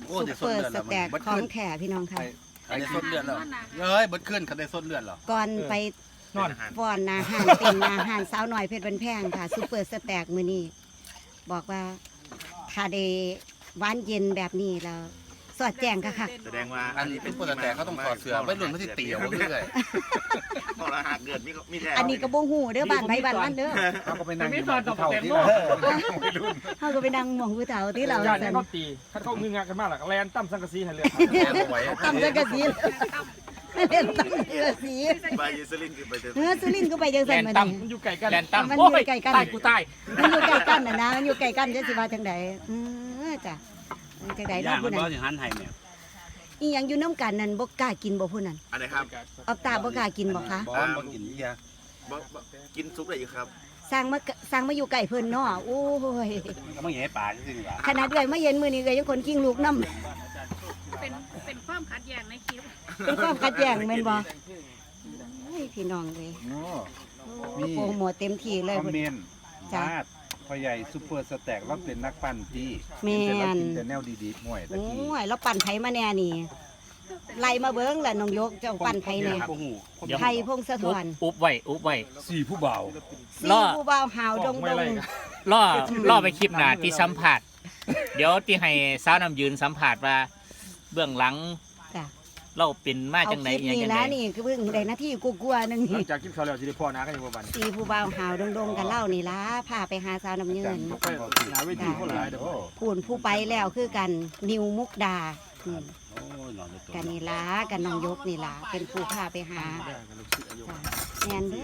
ซุปเปอร์สแต็กของแท้พี่น้องค่ะคันได้ส้นเลือดแล้วเบิดขึ้นคันได้ส้นเลือดหรอก่อนไปนอนฟ้อนอาหารเป็นอาหารสาวหน่อยเพชรบันแพงค่ะซุปเปอร์สแต็กมื้อนี้บอกว่าถ้าได้หวานเย็นแบบนี้แล้วสอดแจ้งค่ะแสดงว่าอันนี้เป็นปกติเขาต้องถอดเสื้อไม่รุ่นไม่ใช่เตี๋ยวเรื่อยพอละหากเกิดมีแท้อันนี้ก็บ่ฮู้เด้อบ้านไผบ้านมันเด้อเขาก็ไปนั่งอยู่ที่เท่าที่เฮาก็ไปนั่งหม่องผู้เฒ่าที่เราญาติซั่นเขาตีถ้าเขางึงงักกันมากล่ะแลนตั้มสังกะสีให้เลยๆแม่บ่ไหวตำสังกะสีเล่นตำสังกะสีไปยูซลินคือไปเจอสุรินทร์ก็ไปจังซั่นมามันอยู่ไกลกันแลนตั้มมันอยู่ใกล้กันตายกูตายมันอยู่ใกล้กันน่ะนะมันอยู่ใกล้กันจะสิว่าจังไดจ้ะจังได๋ย่าเนาะงมัผู้นนั้บ่นสิหันให้แม่อีหยังอยู่น้ำกันนั่นบ่กล้ากินบ่ผู้นั้นอันไหนครับเอาตาบ่กล้ากินบ่คะบ่กินเหี้ยกินซุปได้อยู่ครับสร้างมาอยู่ใกล้เพิ่นเนาะโอ้ยก็มาแหย่ปากจังซี่ล่ะขนาดเอื้อยมาเห็นมื้อนี้ก็ยังคนกิ้งลูกนำเป็นความขัดแย้งในคลิปเป็นความขัดแย้งแม่นบ่โอ้ยพี่น้องเว้ยมีโปรโมทเต็มที่เลยคอมเพิ่นเมนต์จ้ะมาดพ่อใหญ่ซุปเปอร์สแต็กเราเป็นนักปั้นที่แม่นเรากินแต่แนวดีๆห่วยตะโอ้กี้ยแล้วปั่นไผมาแน่นี่ไล่มาเบิ่งล่ะน้องยกเจ้าปั่นไผแน่บ่ฮู้ไผพงศธรอุบไว้สี่ผู้เบาล่อสี่ผู้บ่าวหาวดงล่อไปคลิปหน้าที่สัมผัสเดี๋ยวที่ให้สาวน้ำยืนสัมผัสว่า เบื้องหลังจ้ะเราเป็นมาเอาจังไหนคลิปอย่างนี้จังนะไหนนี่คือเพิ่งได้หน้าที่กลัวๆนึงหลันี่งจากกินข้าวแล้วจะได้พ่อนากันอยู่บ่บัดนี้สี่ผู้บ่าวหาวดงกันเล่านี่ล่ะพาไปหาสาวน้ำยืนไปหาเวทีคนหลายเด้อพูนผู้ไปแล้วคือกันนิวมุกดาโอ้ยนอนในตัวกันนี่ล่ะกันน้องยกนี่ล่ะเป็นผู้พาไปหาจ้ะแม่นเด้อ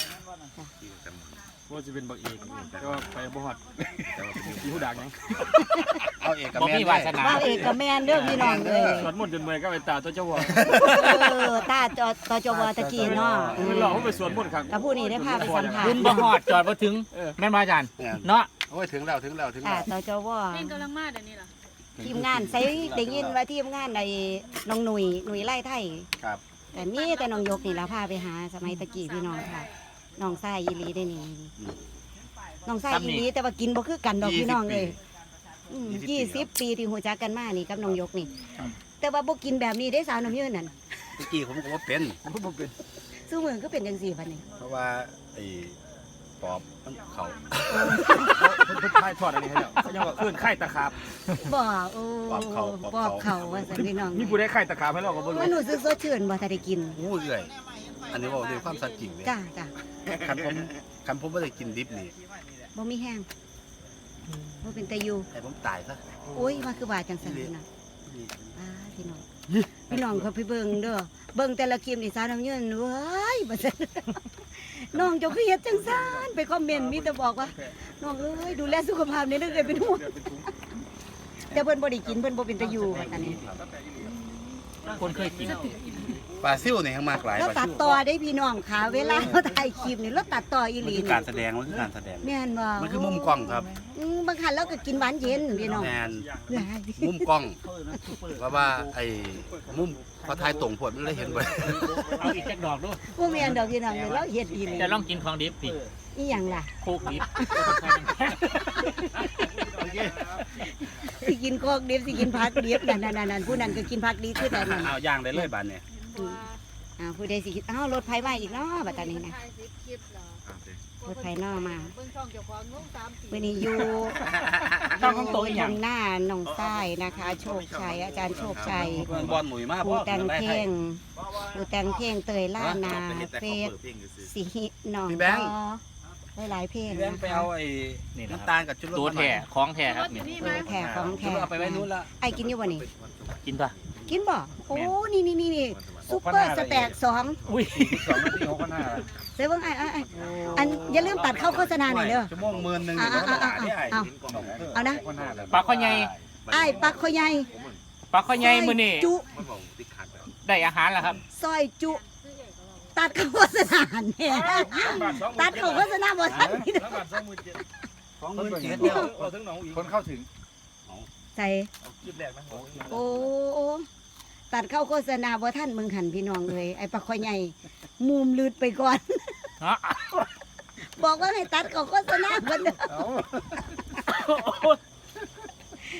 ว่าจะเป็นบักเอกแต่ว่าไปบ่ฮอดอยู่ผู้ดักหยังเอาเอกกับบ่แม่มีวาสนาบ่าวเอกกับแม่นเด้อพี่น้องเอ้ยสวดมนต์จนเมื่อยก็ไปตาตัวเจ้าว่าตาตจวตะกี้เนาะมันหลอกเขาไปสวดมนต์ครับกับผู้นี้ได้พาไปสัมภาษคุณณ์บ่ฮอดจอดบ่ถึงแม่นบ่อาจารย์เนาะโอ้ยถึงแล้วถึงแล้วถึงค่ะแล้วตจวเล่นกำลังมาเดี๋ยวนี้เหรอทีมงานใส่ได้ยินว่าทีมงานในน้องหนุ่ยไล่ไทยครับแต่มีแต่น้องยกนี่ล่ะพาไปหาสมัยตะกี้พี่น้องค่ะน้องชายอีหลีได้นี่น้องชายอีหลีแต่ว่ากินบ่คือกันดอกพี่น้องเลย20 ปีที่หัวจักกันมานี่กับน้องยกนี่ แต่ว่าบ่กินแบบนี้ได้สาวน้ำยืนนั่นตะกี้ผมก็บ่เป็นผมบ่เป็นซึ่งมือก็เป็นจังซี่บัดนี้เพราะว่าไอ้ปอบมันเข้าเพิ่นทายทอดอันนี้ให้แล้วเขายังว่าเอิ้นไข่ตะขาบบ่โอ้บอกเขาว่าซั่นพี่น้องมีผู้ใดไข่ตะขาบให้เราก็บ่รู้มันรู้สึกสดชื่นบ่ถ้าได้กินอู้เอื่อยอันนี้บอกด้วยความสัตย์จริงเลยจ้าจ้าคันผมไม่ได้กินดิบนี่บ่มีแห้งบ่เป็นตะอยู่ให้ผมตายซะโอ้ยมาคือว่าจังซั่นน่ะพี่น้องพี่น้องเขาไปเบิ่งเด้อเบิ่งแต่ละคลิปนี่สาวน้ำยืนเว้ยบ่ซั่นน้องเจ้าคือเฮ็ดจังซั่นไปคอมเมนต์มีแต่บอกว่าน้องเอ้ยดูแลสุขภาพนี่เด้อเอ้ยเป็นห่วงแต่เพิ่นบ่ได้กินเพิ่นบ่เป็นตะอยู่ว่าซั่นนี่คนเคยกินปลาซิ่วนี่ยังมากหลายแล้วปลาตัดซิ่วต่อได้พี่น้องค่ะเวลาเราถ่ายคลิปนี่เราตัดต่ออีหมันลีคือนี่การแสดงมันคือการแสดงแม่นบ่มันคือมุมกล้องครับบางครั้งเราก็กินหวานเย็นพี่น้องแมนเอ้ยมุมกล้องว่าไอ้มุมพอทายตรงผลมันเลยเห็นบ่เอาอีกจักดอกดูบ่แม่นดอกพี่น้องเราเฮ็ดอีหลีจะลองกินของดิบพี่อีหยังล่ะโคกดิบสิกินโคกดิบสิกินผักดิบนั่นๆๆผู้นั้นก็กินผักดิบคือแต่นั่นเอาย่างได้เลยบานเนี่ยผู้ใดสิกินอ้าวรถไผมาอีกเนาะบัดตอนนี้นะถ่าย10คลิปเหรอรถไผนอมาเบิ่งช่องเจ้าของงง3ปีวันนี้อยู่ช่องของตัวอีหยังทางหน้าหนองทรายนะคะ โชคชัยอาจารย์โชคชัยบอลหนุ่ยมากผู้แต่งเพลงผู้แต่งเพลงเตยล่านาเฟสสีหนองก็หลายเพลงพี่แบงนะค์ไปคะเอาไอ้น้ำตาลกับชุดรถตัวแท้ของแท้ครับอนี่ยู่นี่เอไหมอแข่ของชุดแข่เอาไปไว้นู้นละไอ้กินอยู่บ่นี่กินปะกินบ่โอ้นี่ซุปเปอร์สแต็ก2 อุ้ย 2 นาที6,500 เซเบิ่งไอ้อันอย่าลืมตัดเข้าโฆษณาหน่อยเด้อชั่วโมง10,000นึงเดี๋ยวมันด่าได้ไอ้เอานะปลาข้อใหญ่ไอ้ปักข้อใหญ่ปลาข้อใหญ่มื้อนี้จุได้อาหารแล้วครับซอยจุตัดเข้าโฆษณาเนี่ยตัดเข้าโฆษณาบ่ทันนี่เด้อ 27,000แล้วคนเข้าถึงใส่โอ้ตัดเข้าโฆษณาบ่ทันมึงหันพี่น้องเอ้ยไอ้ปักข้อใหญ่มุมลืดไปก่อนเนาะบอกว่าให้ตัดเข้าโฆษณาเพิ่นเด้อ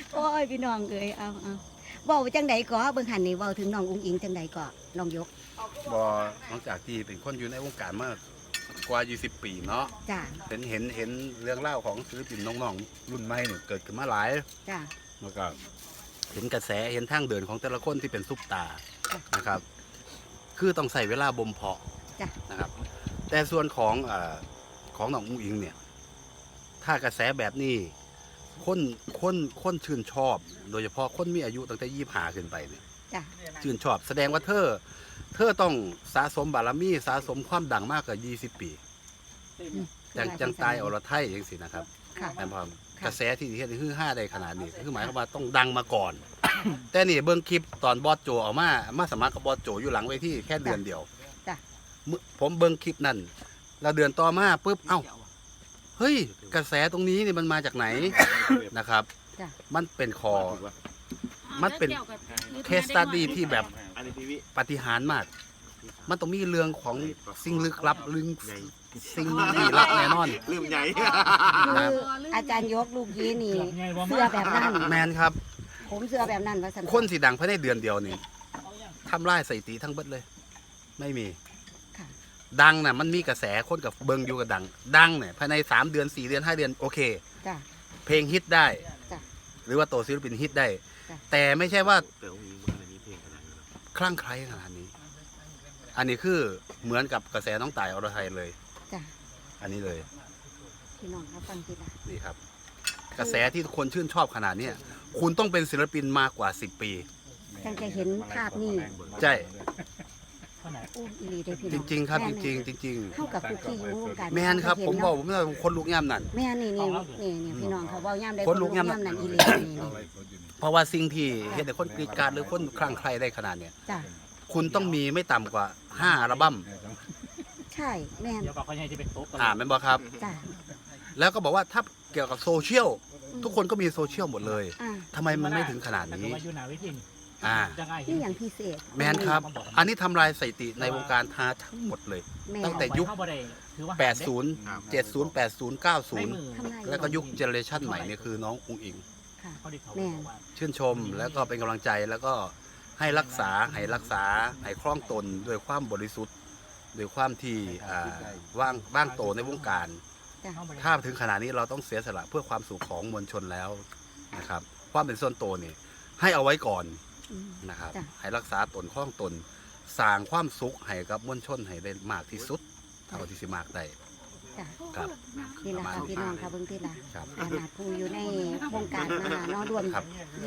โอ้ยพี่น้องเอ้ยเอาเว้าจังใดก่อเบิ่งหันนี่เว้าถึงน้องอุ้งอิงจังใดก่อน้องยกบ่หลังจากที่เป็นคนอยู่ในวงการมากว่า20 ปีเนาะจ้ะเห็นเรื่องเล่าวของศิลปินน้องๆรุ่นใหม่เนี่ยเกิดขึ้นมาหลายจ้ะแล้วก็เห็นกระแสเห็นทางเดินของแต่ละคนที่เป็นซุปตานะครับ คือต้องใส่เวลาบ่มเพาะจ้ะนะครับ แต่ส่วนของน้องอุ้งอิงเนี่ย ถ้ากระแสแบบนี้คนชื่นชอบ โดยเฉพาะคนมีอายุตั้งแต่25ขึ้นไปเนี่ยจ้ะชื่นชอบแสดงว่าเธอต้องสะสมบารมีสะสมความดังมากกว่า20 ปีจังตายอรไทยอย่างสินะครับค่ะแม่นพร้อมกระแสที่เฮ็ดให้ฮือฮาได้ขนาดนี้คือหมายความว่าต้องดังมาก่อน แต่นี่เบิ่งคลิปตอนบอสโจเอามาสมัครกับบอสโจอยู่หลังเวทีแค่เดือนเดียวจ้ะผมเบิ่งคลิปนั่นแล้วเดือนต่อมาปุ๊บเอ้าเฮ้ยกระแสตรงนี้นี่มันมาจากไหนนะครับจ้ะมันเป็นคอ มันเป็น เคสตัดดี้ที่แบบอันนี้พี่วิปาฏิหาริย์มาก มันต้องมีเรื่องของสิ่งลึกลับลึงสิ่งลี้ลับแน่นอนลืมใหญ่คืออาจารย์ยกลูกยีนี่เสื้อแบบนั้นแมนครับผมเสื้อแบบนั้นว่าสันคนสีดังภายในเดือนเดียวนี่ทำลายสถิติทั้งเบิดเลย ไม่มีค่ะดังน่ะมันมีกระแสคนกับเบิงอยู่กับดังเนี่ยภายใน3 เดือน 4 เดือน 5 เดือนโอเคจ้ะเพลงฮิตได้จ้ะหรือว่าตัวศิลปินฮิตได้จ้ะแต่ไม่ใช่ว่าเดี๋ยวมีมันมีเพลงขนาดนี้คลั่งไคล้ขนาดนี้ อันนี้คือเหมือนกับกระแสน้องต่ายอรไทยเลยจ้ะอันนี้เลยพี่น้องครับฟังทีละนี่ครับ กระแสที่คนชื่นชอบขนาดเนี้ยคุณต้องเป็นศิลปินมากกว่า10 ปีจังจะเห็นภาพนี่ใช่อู้อีหลีได้อพี่จน้องริง ๆ ครับแม่จนี่ริงเข้ากับคุกกี้อยู่วงการๆ แมนครับ ผมบอกผมว่าคนลุกย่ำนั่นแม่นี่พี่น้องเขาเว้าย่ำได้คนลุกย่ำนั่นอีหลีนี่เพราะว่าสิ่งที่เห็นแต่คนกรีดกรารหรือคนคลั่งไคล้ได้ขนาดเนี้ยจ้ะคุณต้องมีไม่ต่ำกว่า5 อัลบั้มใช่แม่นเดี๋ยวบอกเขาใหญ่จะเป็นโต๊ะกันแม่นบอกครับจ้ะแล้วก็บอกว่าถ้าเกี่ยวกับโซเชียลทุกคนก็มีโซเชียลหมดเลยอ่าทำไมมันไม่ถึงขนาดนี้มาอยู่หนาเวทีนี่จังไงนี่อย่างพิเศษแมนครับ อันนี้ทำลายสถิติในวงการทาทั้งหมดเลยแม่ตั้งแต่ยุคเข้าบ่ได้ถือว่า 80 70 80 ในมือทำลาย 90 แล้วก็ยุคเจเนอเรชันใหม่เนี่ยคือน้องอุ้งอิงค่ะเขาได้เขาแม่ว่าชื่นชมแล้วก็เป็นกำลังใจแล้วก็ให้รักษาให้คล่องตนด้วยความบริสุทธิ์ด้วยความที่ว่างโตในวงการจ้ะถ้าถึงขนาดนี้เราต้องเสียสละเพื่อความสุขของมวลชนแล้วนะครับความเป็นส่วนตัวนี่ให้เอาไว้ก่อนอืมนะครับจ้ะให้รักษาตนคล่องตนสร้างความสุขให้กับมวลชนให้ได้มากที่สุดเท่าที่สิมากได้จ้ะครับนี่แหละค่ะพี่น้องค่ะเบิ่งที่ละครับขนาดผู้อยู่ในวงการมาเนาะรวมครับ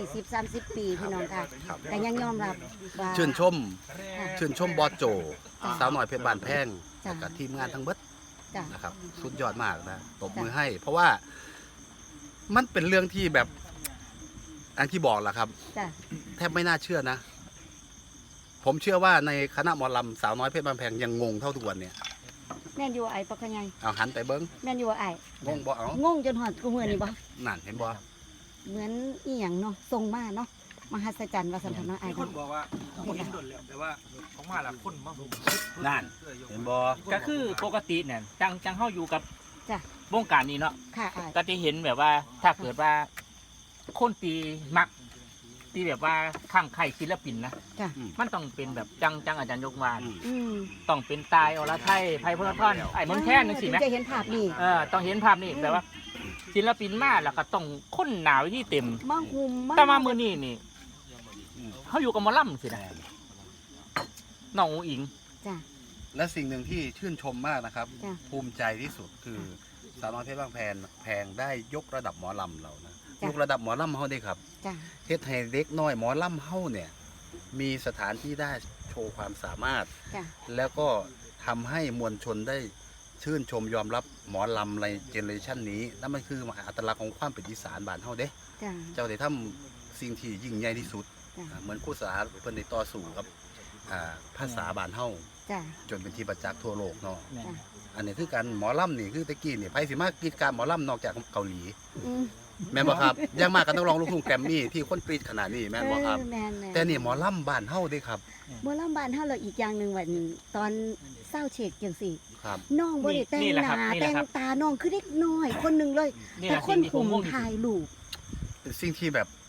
20-30 ปีพี่น้องค่ะครับแต่ยังยอมรับว่าชื่นชมค่ะชื่นชมบอสโจจ้ะสาวหน่อยเพชรบานแพงจ้ะแล้วกับทีมงานทั้งเบิดจ้ะนะครับสุดยอดมากนะตบมือให้ เพราะว่ามันเป็นเรื่องที่แบบอันที่บอกแหละครับจ้ะแทบไม่น่าเชื่อนะ ผมเชื่อว่าในคณะหมอลำสาวน้อยเพชรบานแพงยังงงเท่าทุกวันเนี่ยแม่นอยู่ไอ้ปะขะไงเอาหันไปเบิ้งแม่นอยู่ไอ้งงบ่เอางงจนหอดกูมื้อนี่บ่นั่นเห็นบ่เหมือนอีหยังเนาะทรงมาเนาะมหัศจรรย์ว่าสันทนาไอ้มีคกันนบอกว่าคนนี้โดนแล้วแต่ว่าของมาละคนมาผมนั่นเห็นบ่ก็คือปกติเนี่ยจังเข้าอยู่กับจ้ะวงการนี้เนาะค่ะไอ้ก็จะเห็นแบบว่าถ้าเกิดว่าคนตีมักตีแบบว่าข้างใครศิลปินนะจ้ะมันต้องเป็นแบบจังอาจารย์ยกวานอืมต้องเป็นตายอรไทยไพพลทอนไอ้มนต์แค้นนึงสิถึไหมงจะเห็นภาพนี่ต้องเห็นภาพนี่แบบว่า ศิลปินมาแล้วก็ต้องค้นหนาวที่เต็มมาหุมแต่มามือนี่นี่เขาอยู่กับหมอลำสินะน้องอุ๋งอิงจ้ะและสิ่งหนึ่งที่ชื่นชมมากนะครับจ้ะภูมิใจที่สุดคือสาวน้อยเพชรบางแพงได้ยกระดับหมอลำเรานะจ้ะยกระดับหมอลำเฮาได้ครับจ้ะเฮ็ดให้เด็กน้อยหมอลำเฮาเนี่ยมีสถานที่ได้โชว์ความสามารถจ้ะแล้วก็ทำให้มวลชนได้ชื่นชมยอมรับหมอลำในเจเนอเรชันนี้นั่นมันคืออัตลักษณ์ของความเป็นอีสานบ้านเฮาเด้จ้ะเจ้าได้ทำสิ่งที่ยิ่งใหญ่ที่สุดจ้ะเหมือนครูสาเพิ่นได้ต่อสู้กับภาษาบ้านเฮาจ้ะจนเป็นที่ประจักษ์ทั่วโลกเนาะเนี่ยจ้ะอันนี้คือการหมอลำนี่คือตะกี้นี่ไผสิมากรีดการหมอลำนอกจากเกาหลีอืมแม่นบ่ครับยังมากก็ต้องร้องลูกทุ่งแกรมมี่ที่คนกรีดขนาดนี้แม่นบ่ครับแม่นแต่นี่หมอลำบ้านเฮาเด้ครับหมอลำบ้านเฮาเราอีกอย่างหนึงว่าตอนเศร้าเฉกจังซี่ครับน้องบ่ได้แต่งนี่แหละหครับน้านี่แหแต่ละงครับตาน้องคือเด็กน้อยคนหนึงเลยนี่แต่แหละคสิ่นงที่ผคุมมงงที่สุถ่าดยรูปเป็นสิ่งที่แบบ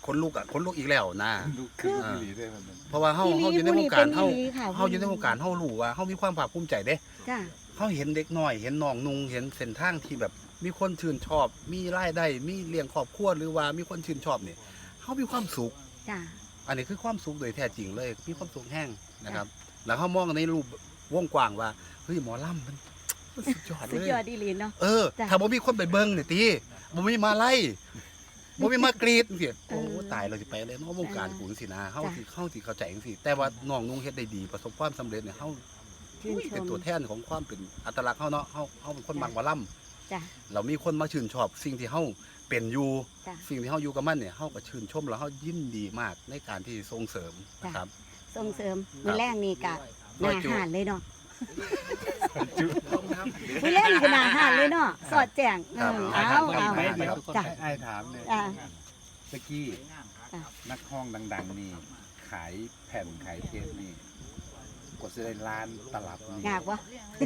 คนลุกอีกแล้วนะลูกคืออีหลีได้มันเพราะว่าเฮาอีหลีอยู่ในวงการผู้นี้เป็นอีหลีค่ะเฮาอยู่ในวงการเฮารู้ว่าเฮามีความภาคภูมิใจเด้จ้ะเฮาเห็นเด็กน้อยเห็นน้องนุ่งเห็นเส้นทางที่แบบมีคนชื่นชอบ มีรายได้มีเลี้ยงครอบครัวหรือว่ามีคนชื่นชอบนี่เฮามีความสุขจ้ะอันนี้คือความสุขโดยแท้จริงเลย มีความสุขแห้งนะครับ แล้วเขามองในรูปวงกว้างว่าเฮ้ยหมอลำมันสุดยอดสุดเลยยอดอีหลีเนาะ จ้ะถ้าบ่มีคนไปเบิ่งนี่ติบ่มีมาไล่บ่มีมากรีดจังซี่โอ้ตายเราสิไปเลยเนาะวงการกูจังซี่นะเฮาสิเข้าใจจังซี่แต่ว่าน้องนุ่งเฮ็ดได้ดีประสบความสำเร็จเนี่ยเฮาชื่นชเป็นมตัวแทนของความเป็นอัตลักษณ์เฮาเนาะเฮาเป็นคนมักหมอลำจ้ะเรามีคนมาชื่นชอบสิ่งที่เฮาเป็นอยู่จ้ะสิ่งที่เฮาอยู่กับมันเนี่ยเฮาก็ชื่นชมแล้วเฮายินดีมากในการที่ส่งเสริมนะครับส่งเสริมมื้อแรกนี่กะหน้าหานเลยเนาะมื้อแรกนี่ก็หน้าหานเลยเนาะสอดแจ้งครับเอา จ้ะไอ้ถามเนี่ยจ้ะตะกี้จ้ะนักห้องดัง ๆ นี่ ขายแผ่นขายเทปนี่กว่าจะได้ล้านตลับนี่ยากวะ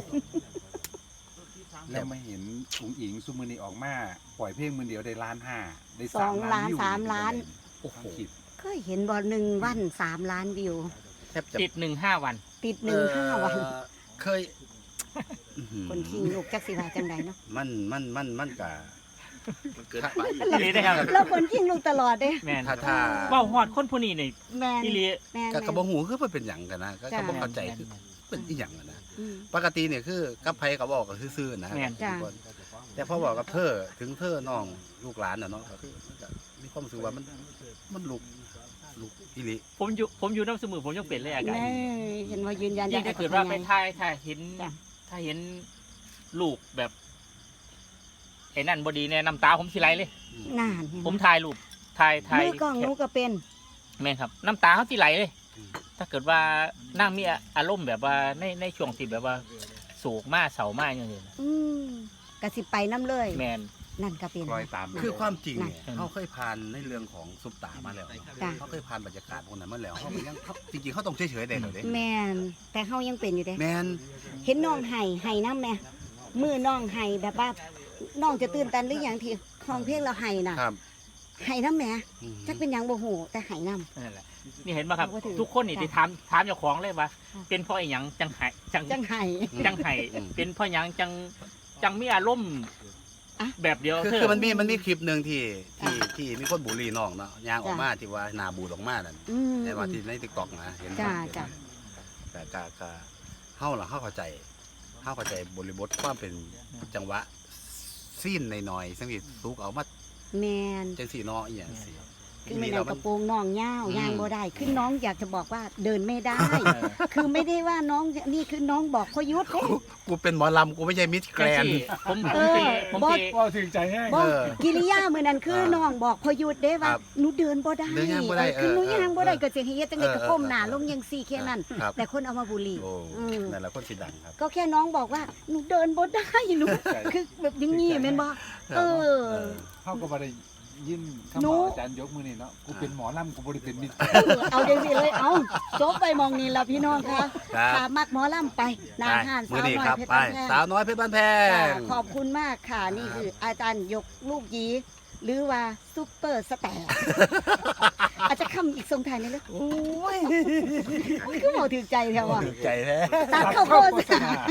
แล้วมาเห็นอุ๋งอิงซุมือนี่ออกมาปล่อยเพลงมือเดียวได้ล้านห้าได้สองล้านวิวสามล้านโอ้โหคิดเคยเห็นบ่1 วัน 3 ล้านวิวแทบจะติด1-5 วันติด1-5 วันเคยอื้อหือคนคิงลูกจักสิว่าจังใดเนาะมันกะมันเกินไปอีหลีนะครับแล้วคนคิงลูกตลอดเด้แม่นถ้าเว้าฮอดคนผู้นี้นี่แม่นอีหลีแม่นกะบ่ฮู้คือมันเป็นหยังกันนะก็จ้ะบ่เข้าใจคือเป็นอีหยังอะนะอืมปกติเนี่ยคือกับไผก็บอกก็ซื่อๆนะแม่นจ้ะทุกคนแต่พอบอกกับเธอถึงเธอน้องลูกหลานน่ะเนาะก็คือมีความรู้สึกว่ามันลุกอีหลีผมอยู่น้ำสมือผมยังเป็นเลยอาการแม่เห็นว่ายืนยันยิ่งถ้าเกิดว่าไปไงถ้าเห็นจ้ะถ้าเห็นลูกแบบไอ้นั่นบดีเนี่ยน้ำตาผมสิไหลเลยนานเห็นไหผมถ่ายรูปถ่ายมือกล้องหนูก็เป็นแม่นครับ น้ำตาเขาสิไหลเลย ถ้าเกิดว่านั่งมีอารมณ์แบบว่าในช่วงที่แบบว่าโศกมากเศร้ามากอย่างเงี้ยอืมกะสิไปน้ำเลยแม่นนั่นก็เป็นคล้อยตามคือความจริงเนี่ยนั่นเขาเคยผ่านในเรื่องของซุปตามาแล้วเนาะจ้ะเขาเคยผ่านบรรยากาศพวกนั้นมาแล้วเขาก็ยังเขาจริงๆเขาต้องเฉยๆได้เลยเด้แม่นแต่เฮายังเป็นอยู่เด้แมนเห็นน้องไห้น้ำแม่มือน้องไห้แบบว่าน้องจะตื่นตันหรืออย่างที่ห้องเพลงเราไห้น่ะครับไห้น้ำแม่อืมจักเป็นหยังบ่ฮู้แต่ไห้น้นั่นแหละนี่เห็นไหมครับเราก็ถือทุกคนนี่จ้ะที่ถามเจ้าของเลยว่าค่ะเป็นเพราะไอ้หยังจังไห้จังำจังไห้จังไห้เป็นเพราะหยังจังมีอารมณ์อะแบบเดียวคือมันมีคลิปหนึ่งที่จ้ะมีคนบูลลี่น้องเนาะยางออกจ้ะมาที่ว่าหนาบูดออกมานั่นอืมแต่ว่าที่ในติ๊กต็อกนะเห็นจ้ะจ้ะแต่ก็เฮาล่ะเฮาเข้าใจบริบทความเป็นจังหวะซีนหน่อยๆซึ่งที่สุกเอามาแมนจังสี่เนาะอีหยังสิคือไม่นกระโปรงน้องยาวอืมยางบ่ได้คือน้องอยากจะบอกว่าเดินไม่ได้ คือไม่ได้ว่าน้องนี่คือน้องบอกพยุทธ์เด้กูเป็นหมอลำกูไม่ใช่มิสแกรนด์ผมเออผมบอสตีว่าถึงใจแห้งบอกเออกิริยามื้อนั้นคือน้องบอกพยุทธ์เด้ว่าครับหนูเดินบ่ได้เดินย่างบ่ได้คือหนูเออย่างบ่ได้เออก็สิให้เฮ็ดจังได๋ก็เออก้มหน้าลงจังซี่แค่นั้นครับแต่คนเอามาบูลลี่โอ้อืมนั่นแหละคนสิดังครับก็แค่น้องบอกว่าหนูเดินบ่ได้หนูคือแบบอย่างงี้แม่นบ่เออเขาก็บ่ได้ยินหนูคำบอกอาจารย์ยกมือนี่เนาะกูเป็นหมอลำกูบ่ได้เป็นมิตรเอาจังซี่เลยเอาจบไปมองนี่ล่ะพี่น้องค่ะครับถ้ามักหมอลำไปหนาห้านมืสาอวนี้น้อคยรับเพชรไปบ้านแพงสาวน้อยเพชรบ้านแพจ้าง ขอบคุณมากค่ะ นี่คืออาจารย์ยกลูกยีหรือว่าซุปเปอร์สแตร์ อาจจะคำอีกทรงไทยนี่เลยโอ้ยก็บอกถือใจแถวอ่ะถูกใจแท้ตัดเข้าโพด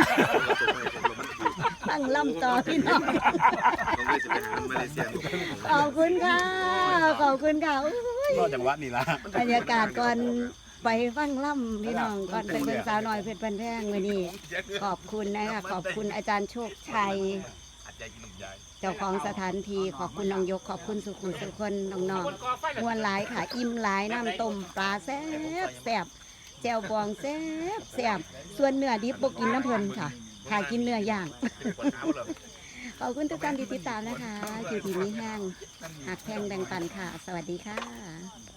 ตั้งลำต่อพี่น้องน้องเวจะเป็นมาเลเซียขอบคุณค่ะ ขอบคุณค่ะอุ๊ยรอดจังหวะนี่ละบรรยากาศก่อนไปฟังล่ำพี่น้องก่อนไปเป็นสาวน้อยเพชรบันแพงวันนี้ ขอบคุณนะคะขอบคุณอาจารย์โชคชัย เจ้าของสถานที่ขอบคุณน้องยก ขอบคุณสุขุมสุคนน้องๆมวนหลายค่ะ อิ่มหลายน้ำต้มปลาแซ่บแซ่บแจ่วบองแซ่บแซ่บส่วนเนื้อดิบบกินน้ำเพลินค่ะถ้ากินเนื้อย่าง ขอบคุณทุกท่านที่ติดตามนะคะ อยู่ที่นี้แห้งหักแพงแบ่งปันค่ะ สวัสดีค่ะ